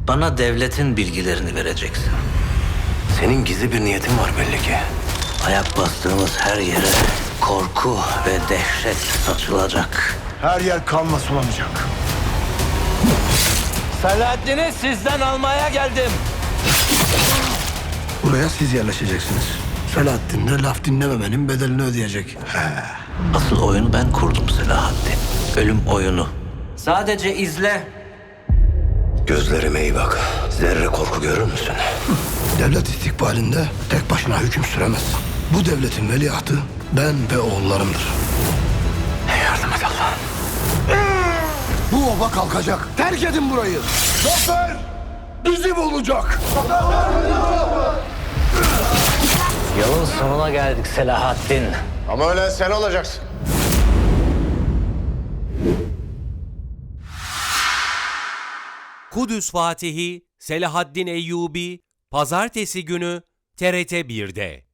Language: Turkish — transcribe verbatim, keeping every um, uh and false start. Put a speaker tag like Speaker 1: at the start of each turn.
Speaker 1: Bana devletin bilgilerini vereceksin.
Speaker 2: Senin gizli bir niyetin var belli ki.
Speaker 1: Ayak bastığımız her yere korku ve dehşet saçılacak.
Speaker 3: Her yer kanla sulanacak.
Speaker 1: Selahaddin'i sizden almaya geldim.
Speaker 3: Buraya siz yerleşeceksiniz. Selahattin de laf dinlememenin bedelini ödeyecek.
Speaker 1: Asıl oyunu ben kurdum Selahaddin. Ölüm oyunu. Sadece izle.
Speaker 2: Gözlerime iyi bak. Zerre korku görür müsün?
Speaker 3: Devlet istikbalinde tek başına hüküm süremez. Bu devletin veliahtı ben ve oğullarımdır.
Speaker 2: Yardım et Allah'ım.
Speaker 3: Bu oba kalkacak. Terk edin burayı. Zafer bizim olacak.
Speaker 1: Yolun sonuna geldik Selahaddin.
Speaker 4: Ama ölen sen olacaksın.
Speaker 5: Kudüs Fatihi Selahaddin Eyyubi Pazartesi günü T R T bir'de.